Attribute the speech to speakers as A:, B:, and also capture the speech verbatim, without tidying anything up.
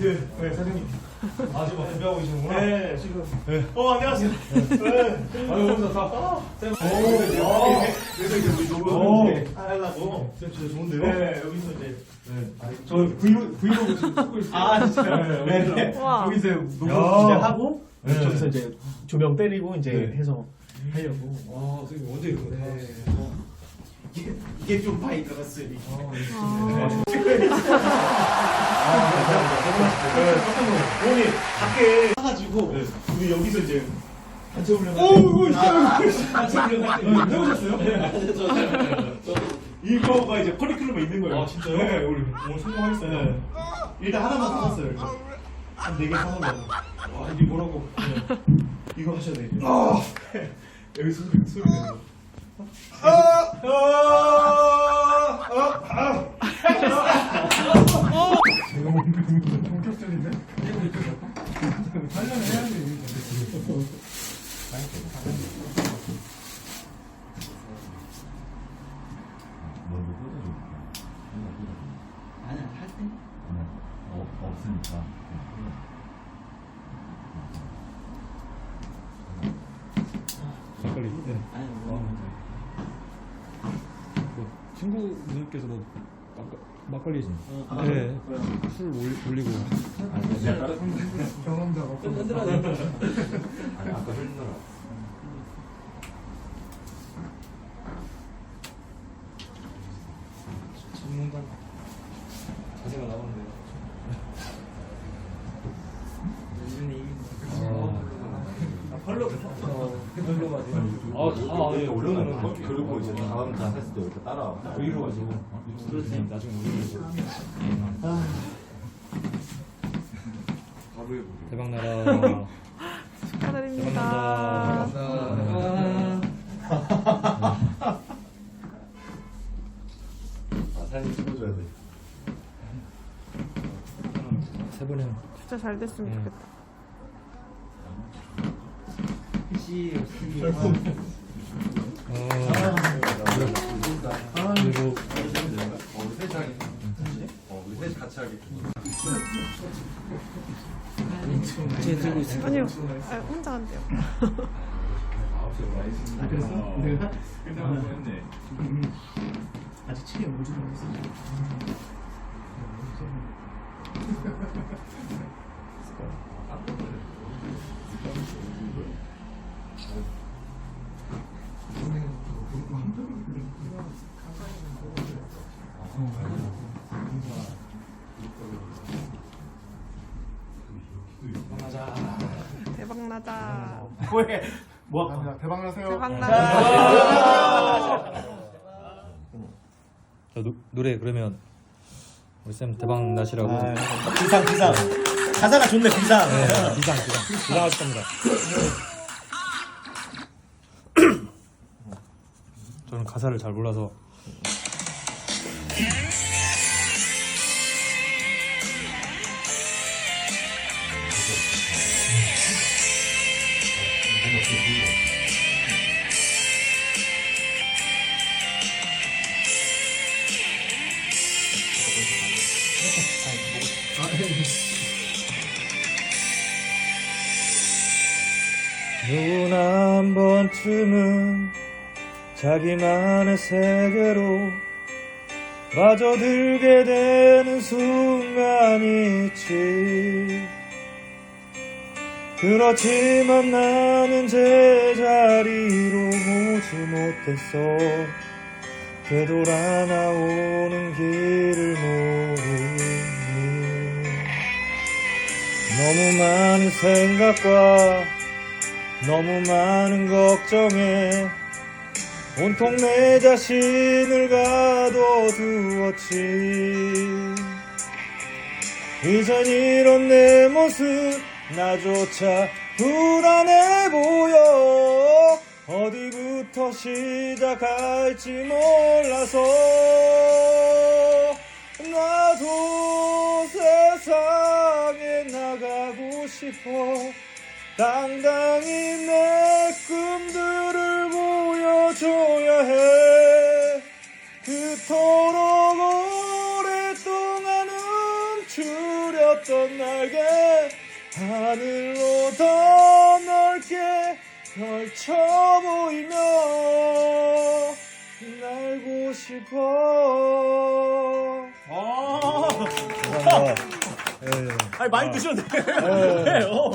A: 그, 네, 사장님.
B: 아, 지금 준비하고 계시는구나?
A: 네, 지금. 네. 어, 안녕하세요. 네.
B: 아유, 오늘 다. 아, 쌤.
A: 오, 그래서 이제 우리
B: 오.
A: 녹음 하려고.
B: 쌤 진짜 좋은데요?
A: 네, 여기서 이제.
B: 네.
A: 저 브이로그, 브이로그 지금 찍고 있어요. 아, 진짜요?
B: 네,
A: 네, 네.
C: 우와.
A: 여기서 녹음
B: 야.
A: 이제 하고,
B: 네.
A: 저기서 이제 조명 때리고 이제
B: 네.
A: 해서 하려고.
B: 아, 선생님 언제 이거 다
A: 네. 이게, 이게 좀 많이 들었으니.
B: 아,
C: 아.
A: 오늘 밖에 사가지고
B: 네.
A: 우리 여기서 이제 단체 훈련.
B: 오, 이거
A: 단체 훈련 할 때.
B: 해보셨어요?
A: 네. 이거가 이제 커리큘럼에 있는 거예요.
B: 아, 진짜요?
A: 네, 우리 오늘 성공하겠어요. 네. 일단 하나만 사왔어요. 일단. 한 네 개 사놓으려고.
B: 와, 이게 뭐라고?
A: 네. 이거 하셔야 돼요.
B: 아,
A: 여기 소리, 소리 내는 거.
B: 아, 아, 아, 아.
A: 제가 본격적인데? 하려면 해야지.
D: 먼저 뜯어줄까?
E: 아니야, 할 때?
D: 아니야, 어, 없으니까.
F: 막걸리. 네.
E: 아니,
F: 아,
E: 뭐.
F: 그 친구분께서도 막걸, 막걸리.
E: 어,
F: 네. 술 올리, 올리고.
A: 경험자가.
E: 흔들어야 돼.
D: 아니, 아까 흘리더라.
B: 전문가 자세가 나오는데요.
A: 아, 팔로.
B: 별로 가지고.
D: 아,
B: 아, 예,
D: 올려놓는 거.
B: 올려놓는
D: 그리고 이제 다음 장 했을 때 이렇게 따라.
B: 위로 가지고.
F: 그렇지. 나중에 올리고.
D: 바로 해보게.
F: 대박 나라.
C: 축하드립니다.
D: 아, 사진 찍어줘야 돼.
F: 세 분은.
C: 진짜 잘 됐으면
F: 네.
C: 좋겠다.
F: 어, 그리고
D: 어, 우리 셋이 하게. 어, 우리 셋이 같이 하게.
A: 제 들고 있어요.
C: 아니요, 아, 혼자 한대요.
A: 아, 그랬어? 내가 끝나고 했네. 아직 책에 못 들어갔어.
C: 대박 나자.
A: 뭐해? 뭐 할까? 대박 나세요.
C: 대박 나자.
F: 저 노, 노래 그러면 우리 쌤 대박 나시라고.
A: 비상 비상. 가사가 좋네 비상.
F: 네, 비상 비상 비상하실 겁니다. 저는 가사를 잘 몰라서. 누구나 한 번쯤은 자기만의 세계로 빠져들게 되는 순간이 있지. 그렇지만 나는 제자리로 오지 못했어. 되돌아 나오는 길을 모르니 너무 많은 생각과 너무 많은 걱정에 온통 내 자신을 가둬두었지. 이젠 이런 내 모습 나조차 불안해 보여. 어디부터 시작할지 몰라서 나도 세상에 나가고 싶어. 당당히 내 꿈들을 보여줘야 해. 그토록 오랫동안 움츠렸던 날
B: 하늘로 더 넓게 펼쳐 보이며 날고 싶어.
A: 아,
F: 감사합니다. 예.
A: 아니 많이 드셔도 돼.